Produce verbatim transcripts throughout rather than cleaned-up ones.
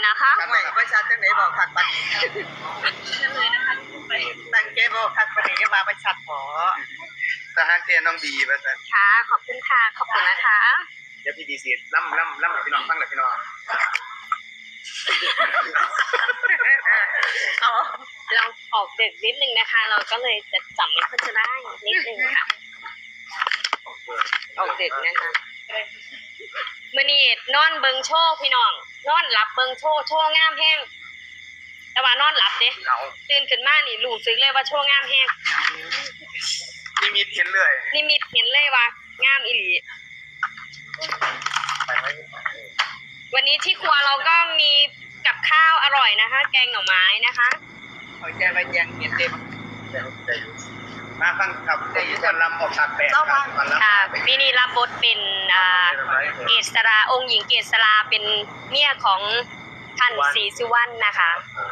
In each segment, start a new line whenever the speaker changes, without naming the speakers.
นะคะ
ไม่ประชาชนไหนบอกขัดปัน
เฉลยนะคะไป
ตั้งเกบอกขัดปันนี้มาประชาชนทหารเทียนน้องบีประชาชน
ค่ะขอบคุณค่ะขอบคุณนะคะ
เดี๋ยวพี่ดีซีล่ำล่ำล่ำกับพี่น้องฟังเลยพี่น้อง
เอา
เราออกดึกนิดนึงนะคะ เราก็เลยจะจำไม่ค่อยจะได้นิดนึงค่ะออกดึกนะคะมื่อนี้นอนเบิงโชว์พี่น้องนอนหลับเบิงโชว์โชว์งามแห้งแต่ว่านอนหลับเด้
เอา
ตื่นขึ้นมานี่รู้สึกเลยว่าโชว์งามแห้ง
นี่มีเห็นเลย
นิมิตเห็นเลยว่างามอีหลีวันนี้ที่ครัวเราก็มีกับข้าวอร่อยนะคะ แกงหน่อไม้นะคะ
เอาใจไปแยงเห็นเต็ม
มาฟังกับวันลำออกฉากแปดครับวันลำ
ค่ะปีนี้รับบทเป็นอ่าเกษราองค์หญิงเกษราเป็นเมียของท่านศรีสุวรรณนะคะ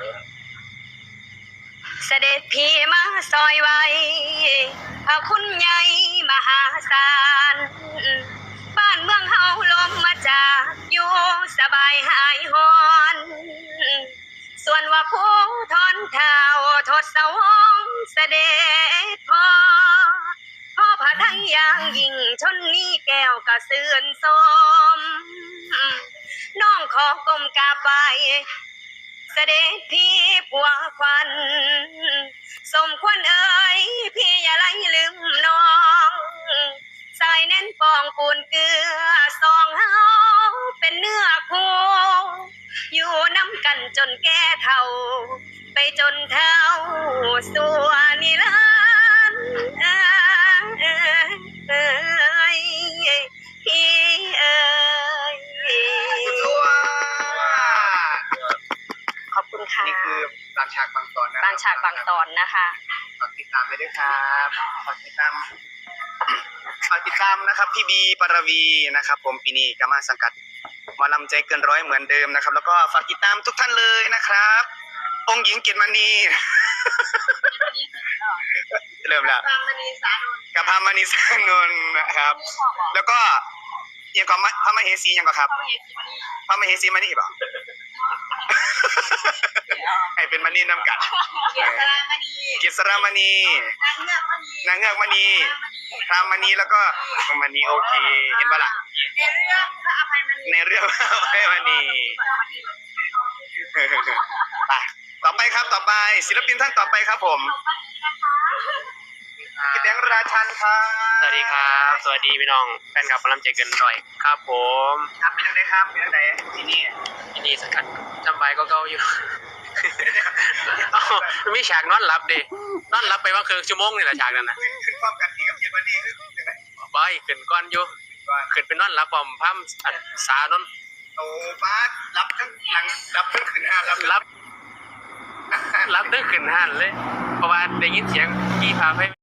เสด็จพี่มาซอยไว้พระคุณใหญ่มหาศาลบ้านเมืองเฮาลมมาจากอยู่สบายหายหอนส่วนว่าผู้ทอนเท้าทศวงศ์เสด็จพ่อพ่อพระทัยอย่างยิ่งชนนี้แก้วกระเสื่อนสมน้องขอกรมกราบไหว้เสด็จพี่ผัวควันสมควรเอ่ยพี่อย่าไล่ลืมน้องสายแน่นปองปูนเกลือสองเฮาเป็นเนื้อคู่อยู่น้ำกันจนแก่เท่าไปจนเท่าสัวนิรันดร์เอ้ยพี่เอ้ยขอบคุณค่ะ
นี่คือบางฉากบางตอนนะ
บางฉากบางตอนนะคะ
ฝากติดตามไปด้วยครับฝากติดตามฝากติดตามนะครับพี่บีปรวีนะครับผมปีนี้ก็มาสังกัดหมอลำใจเกินร้อยเหมือนเดิมนะครับแล้วก็ฝากติดตามทุกท่านเลยนะครับองค์หญิงเกียรติมณีเริ่มแล้ว
พามณีสานนท์
กับพามณีสานนท์นะครับแล้วก็ยังก็พระมเหสียังก็ครับพระมเหสีมณีป่ะให้เป็นมณีน้ำกัด
เกียรติรามณี
กิษรามณี
นางเงือกมณี
นางเงือกมณีพรามณีแล้วก็มณีโอเคเห็นปะล่ะ
ในเรื่องพระอภัยมณี
ในเรื่องพระอภัยมณีไปต่อไปครับต่อไปศิลปินท่านต่อไปครับผมพี่แดงราชันครับ
สวัสดีครับ สวัสดีพี่น้องแฟนคลับพลังใจเกินร้อยครับผม
ครับเป็นยังไงครับเป็นยังไงที่นี่
ที่นี่สังกัดจำใบก็เก่าอยู่ อ้าวมีฉากนอนหลับดินอนหลับไปว่าครึ่งชั่วโมงนี่แหละฉากนั้นนะ
ขึ้นพร้อมกันที่กับเกียรติมณีคือยังไง
บอยขึ้นก้อนอยู่
ก่อน
ขึ้นไปนอนหลับพร้อมพัมอันสานน
โอ้ป้ารับทั้งหลังรับทั้งขึ้นห้ารับ
รับรับได้ขึ้นหันเลย เพราะว่าได้ยินเสียงกี่พาไป